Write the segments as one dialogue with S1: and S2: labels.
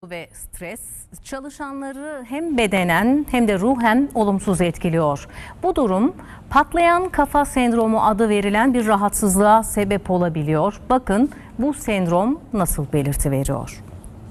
S1: Ve stres çalışanları hem bedenen hem de ruhen olumsuz etkiliyor. Bu durum patlayan kafa sendromu adı verilen bir rahatsızlığa sebep olabiliyor. Bakın bu sendrom nasıl belirti veriyor?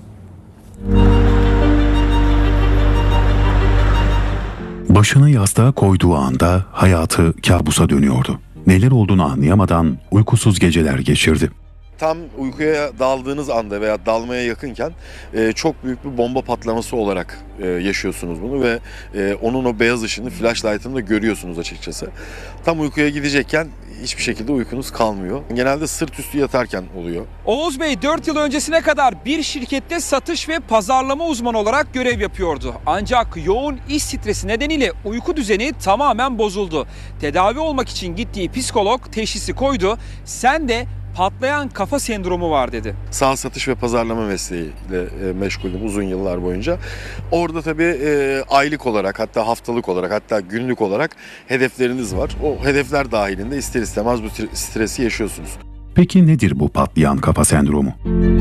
S2: Başını yastığa koyduğu anda hayatı kabusa dönüyordu. Neler olduğunu anlayamadan uykusuz geceler geçirdi.
S3: Tam uykuya daldığınız anda veya dalmaya yakınken çok büyük bir bomba patlaması olarak yaşıyorsunuz bunu ve onun o beyaz ışını, flashlight'ını da görüyorsunuz açıkçası. Tam uykuya gidecekken hiçbir şekilde uykunuz kalmıyor. Genelde sırt üstü yatarken oluyor.
S4: Oğuz Bey 4 yıl öncesine kadar bir şirkette satış ve pazarlama uzmanı olarak görev yapıyordu. Ancak yoğun iş stresi nedeniyle uyku düzeni tamamen bozuldu. Tedavi olmak için gittiği psikolog teşhisi koydu. Sen de patlayan kafa sendromu var dedi.
S3: Sağ satış ve pazarlama mesleğiyle meşgulüm uzun yıllar boyunca. Orada tabii aylık olarak, hatta haftalık olarak, hatta günlük olarak hedefleriniz var. O hedefler dahilinde ister istemez bu stresi yaşıyorsunuz.
S2: Peki nedir bu patlayan kafa sendromu?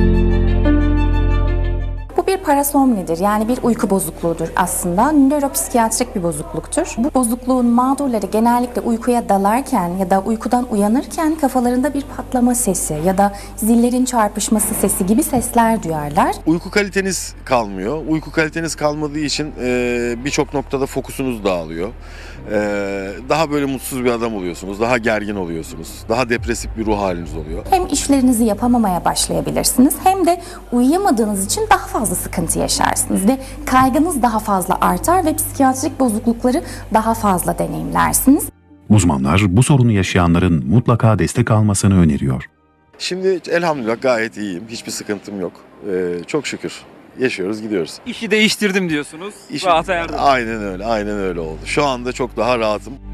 S5: Bu bir parasomnidir, yani bir uyku bozukluğudur aslında. Nöropsikiyatrik bir bozukluktur. Bu bozukluğun mağdurları genellikle uykuya dalarken ya da uykudan uyanırken kafalarında bir patlama sesi ya da zillerin çarpışması sesi gibi sesler duyarlar.
S3: Uyku kaliteniz kalmıyor. Uyku kaliteniz kalmadığı için birçok noktada fokusunuz dağılıyor. Daha böyle mutsuz bir adam oluyorsunuz, daha gergin oluyorsunuz, daha depresif bir ruh haliniz oluyor.
S5: Hem işlerinizi yapamamaya başlayabilirsiniz hem de uyuyamadığınız için daha fazla sıkıntı yaşarsınız ve kaygınız daha fazla artar ve psikiyatrik bozuklukları daha fazla deneyimlersiniz.
S2: Uzmanlar bu sorunu yaşayanların mutlaka destek almasını öneriyor.
S3: Şimdi elhamdülillah gayet iyiyim, hiçbir sıkıntım yok. Çok şükür yaşıyoruz, gidiyoruz.
S4: İşi değiştirdim diyorsunuz. Rahata erdim.
S3: Aynen öyle oldu. Şu anda çok daha rahatım.